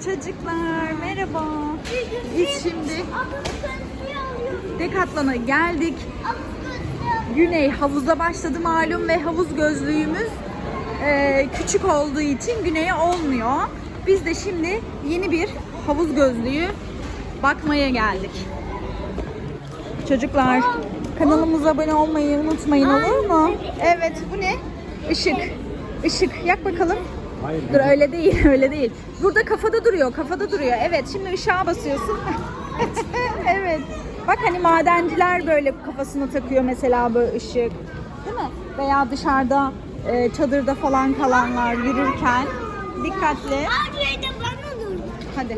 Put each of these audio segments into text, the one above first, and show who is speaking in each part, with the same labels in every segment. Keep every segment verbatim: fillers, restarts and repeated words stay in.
Speaker 1: Çocuklar merhaba. Biz şimdi Decathlon'a geldik. Güney havuza başladı malum ve havuz gözlüğümüz e, küçük olduğu için Güney'e olmuyor. Biz de şimdi yeni bir havuz gözlüğü bakmaya geldik. Çocuklar kanalımıza abone olmayı unutmayın, olur mu? Evet, bu ne? Işık. Işık. Yak bakalım.
Speaker 2: Hayır.
Speaker 1: Dur, öyle değil, öyle değil. Burada kafada duruyor, kafada duruyor. Evet, şimdi ışığa basıyorsun. Evet. Bak hani madenciler böyle kafasına takıyor mesela böyle ışık. Değil mi? Veya dışarıda e, çadırda falan kalanlar yürürken dikkatli. Hadi.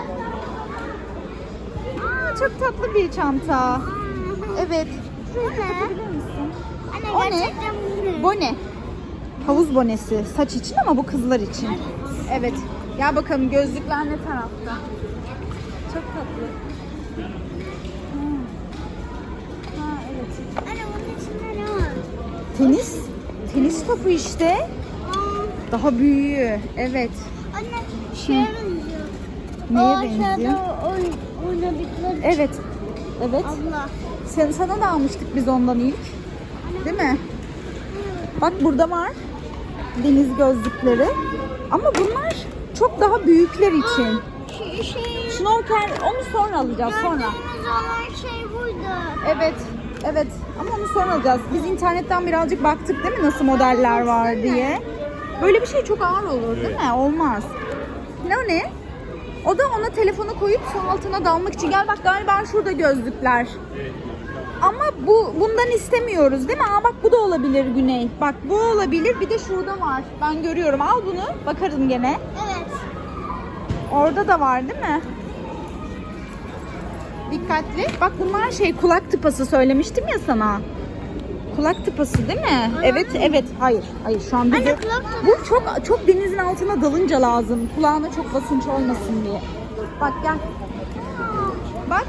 Speaker 1: Aa, çok tatlı bir çanta. Evet. Şurayı kapatabilir misin? O ne? Bone. Havuz bonesi. Saç için ama bu kızlar için. Evet. Gel bakalım, gözlükler ne tarafta? Çok tatlı. Hmm. Ha, evet.
Speaker 3: Anne bunun içinde ne var?
Speaker 1: Tenis. Tenis topu işte.
Speaker 3: Aa,
Speaker 1: Daha büyüğü. Evet.
Speaker 3: anne şeye benziyor.
Speaker 1: Neye
Speaker 3: Aa,
Speaker 1: benziyor?
Speaker 3: aşağıda oyn- oynadıkları.
Speaker 1: Evet. Evet.
Speaker 3: Abla.
Speaker 1: Sen, sana da almıştık biz ondan ilk. Değil mi? Bak burada var. Deniz gözlükleri. Ama bunlar çok daha büyükler için.
Speaker 3: Şey, şey,
Speaker 1: Şnorkel onu sonra alacağız sonra.
Speaker 3: gördüğümüz olan şey buydu.
Speaker 1: Evet. Evet. Ama onu sonra alacağız. Biz internetten birazcık baktık değil mi, nasıl modeller var diye. Böyle bir şey çok ağır olur değil mi? Olmaz. Ne o ne? O da ona telefonu koyup su altına dalmak için. Gel bak, galiba şurada gözlükler. Ama bu bundan istemiyoruz değil mi? Aa bak, bu da olabilir Güney. Bak bu olabilir. Bir de şurada var. Ben görüyorum. Al bunu. Bakarım gene.
Speaker 3: Evet.
Speaker 1: Orada da var değil mi? Dikkatli. Bak bunlar şey, kulak tıpası söylemiştim ya sana. Kulak tıpası değil mi? Evet, evet. Hayır. Hayır şu an bize...
Speaker 3: Anne, kulak tıpası.
Speaker 1: Bu çok çok denizin altına dalınca lazım. Kulağına çok basınç olmasın diye. Bak gel. Bak.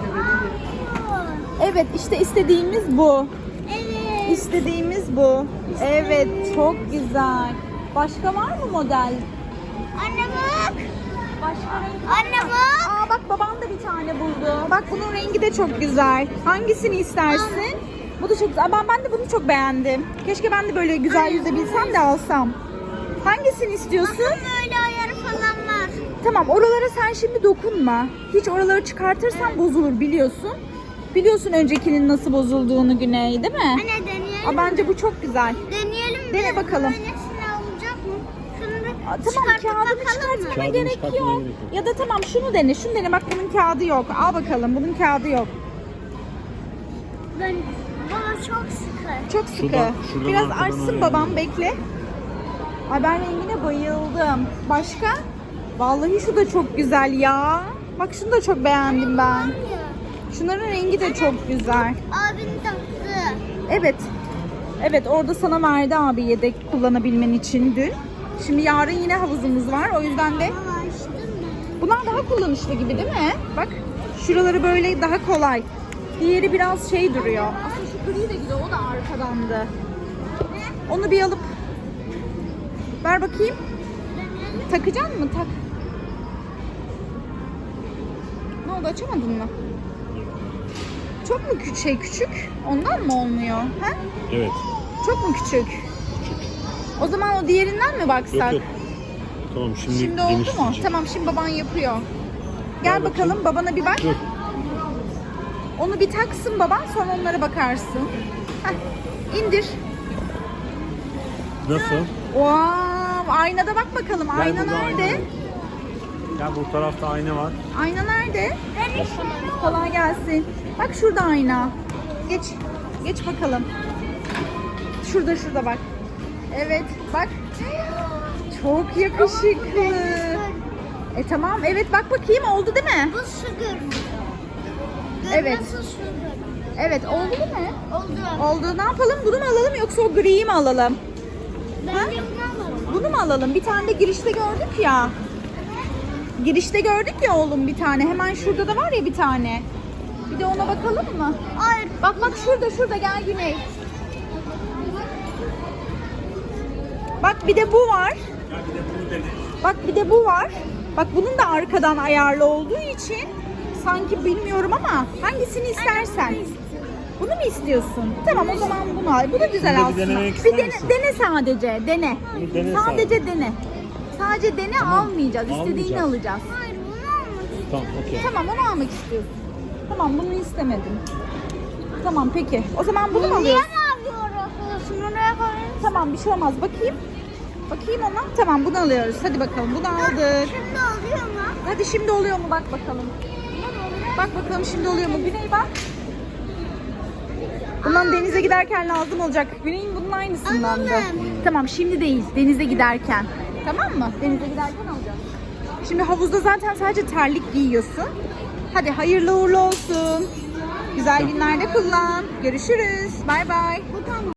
Speaker 1: Evet, işte istediğimiz bu.
Speaker 3: Evet.
Speaker 1: İstediğimiz bu. Evet, çok güzel. Başka var mı model?
Speaker 3: Anne bak.
Speaker 1: Başka renk.
Speaker 3: Anne bak.
Speaker 1: Aa bak, babam da bir tane buldu. Bak bunun rengi de çok güzel. Hangisini istersin? Bu da çok güzel. Ben, ben de bunu çok beğendim. Keşke ben de böyle güzel yüzebilsem de alsam. Hangisini istiyorsun?
Speaker 3: Böyle ayarı falan var.
Speaker 1: Tamam, oralara sen şimdi dokunma. Hiç oraları çıkartırsan bozulur, biliyorsun. Biliyorsun öncekinin nasıl bozulduğunu Güney, değil mi?
Speaker 3: Anne deneyelim.
Speaker 1: Aa, bence bu çok güzel.
Speaker 3: Deneyelim.
Speaker 1: Dene
Speaker 3: de
Speaker 1: bakalım.
Speaker 3: Böylesine olacak mı? Şunu bir
Speaker 1: Aa, tamam,
Speaker 3: çıkartıp
Speaker 1: kağıdını
Speaker 3: bakalım mı?
Speaker 1: çıkartmana
Speaker 2: Kağıdını
Speaker 1: gerek
Speaker 2: çıkartmana
Speaker 1: yok.
Speaker 2: gerek yok.
Speaker 1: Ya da tamam, şunu dene, şunu dene. Bak bunun kağıdı yok. Al bakalım, bunun kağıdı yok.
Speaker 3: Ben bana çok sıkı.
Speaker 1: Çok sıkı.
Speaker 2: Şuradan- şuradan
Speaker 1: Biraz
Speaker 2: arkadan
Speaker 1: açsın
Speaker 2: ayarlayalım.
Speaker 1: babam, bekle. Ay ben rengine bayıldım. Başka? Vallahi şu da çok güzel ya. Bak şunu da çok beğendim ben. Şunların rengi de çok güzel.
Speaker 3: Abin taktı.
Speaker 1: Evet. Evet, orada sana verdi abi yedek kullanabilmen için dün. Şimdi yarın yine havuzumuz var. O yüzden de
Speaker 3: Ama açtın mı?
Speaker 1: bunlar daha kullanışlı gibi değil mi? Bak şuraları böyle daha kolay. Diğeri biraz şey duruyor. Aslında şu gri de güzel, o da arkadandı. Onu bir alıp ver bakayım. Takacaksın mı? Tak. Ne oldu, açamadın mı? Çok mu küçük, şey küçük? Ondan mı olmuyor? Ha?
Speaker 2: Evet.
Speaker 1: Çok mu küçük? O zaman o diğerinden mi baksak?
Speaker 2: Yok yok. Tamam şimdi,
Speaker 1: Şimdi oldu mu?
Speaker 2: genişleyecek.
Speaker 1: Tamam, şimdi baban yapıyor. Gel
Speaker 2: Ver
Speaker 1: bakalım,
Speaker 2: bakayım.
Speaker 1: babana bir bak.
Speaker 2: Dur.
Speaker 1: Onu bir taksın baban, sonra onlara bakarsın. Heh, indir.
Speaker 2: Nasıl?
Speaker 1: Wow, aynada bak bakalım.
Speaker 2: Gel
Speaker 1: Ayna
Speaker 2: burada
Speaker 1: nerede?
Speaker 2: ayna var. Gel bu tarafta ayna var.
Speaker 1: Ayna nerede? Kolay gelsin. Bak şurada ayna. Geç. Geç bakalım. Şurada şurada bak. Evet bak. Çok yakışıklı. E tamam, evet bak bakayım, oldu değil mi?
Speaker 3: Bu su görünüyor.
Speaker 1: Evet.
Speaker 3: Nasıl su görünüyor?
Speaker 1: Evet, oldu değil mi?
Speaker 3: Oldu.
Speaker 1: Oldu. Ne yapalım? Bunu mu alalım yoksa o griyi mi alalım?
Speaker 3: Bence bunu alalım.
Speaker 1: Bunu mu alalım? Bir tane de girişte gördük ya. Girişte gördük ya oğlum bir tane. Hemen şurada da var ya bir tane. Bir de ona bakalım mı?
Speaker 3: Hayır.
Speaker 1: Bak bak şurada şurada, gel Güney. Bak bir de bu var. Bak bir de bu var. Bak bunun da arkadan ayarlı olduğu için sanki bilmiyorum ama hangisini istersen. Bunu mu istiyorsun? Tamam o zaman bunu al. Bu da güzel
Speaker 2: Bunu da bir
Speaker 1: aslında.
Speaker 2: denemek
Speaker 1: Bir
Speaker 2: ister
Speaker 1: dene,
Speaker 2: misin?
Speaker 1: dene sadece. Dene.
Speaker 2: Bunu dene
Speaker 1: sadece
Speaker 2: sadece.
Speaker 1: dene. Sadece dene almayacağız. İstediğini
Speaker 2: almayacağız.
Speaker 1: alacağız.
Speaker 3: Hayır bunu almak
Speaker 2: Tamam okey.
Speaker 1: Tamam onu almak istiyorsun. Tamam bunu istemedim. Tamam peki. O zaman bunu mu
Speaker 3: Niye
Speaker 1: alıyorsun?
Speaker 3: mavi yapıyorsun? Buraya koyayım.
Speaker 1: Tamam bir şey olmaz. Bakayım. Bakayım ona. Tamam bunu alıyoruz. Hadi bakalım bunu aldık.
Speaker 3: Şimdi oluyor mu?
Speaker 1: Hadi şimdi oluyor mu bak bakalım. Bak bakalım şimdi oluyor mu? Güney bak. Bundan denize giderken lazım olacak. Güney'in bunun aynısından da.
Speaker 3: Anladım.
Speaker 1: Tamam şimdi değil. Denize giderken. Tamam mı? Denize giderken alacağız. Şimdi havuzda zaten sadece terlik giyiyorsun. Hadi hayırlı uğurlu olsun. Güzel günlerde kullan. Görüşürüz. Bay bay.
Speaker 3: Bu tam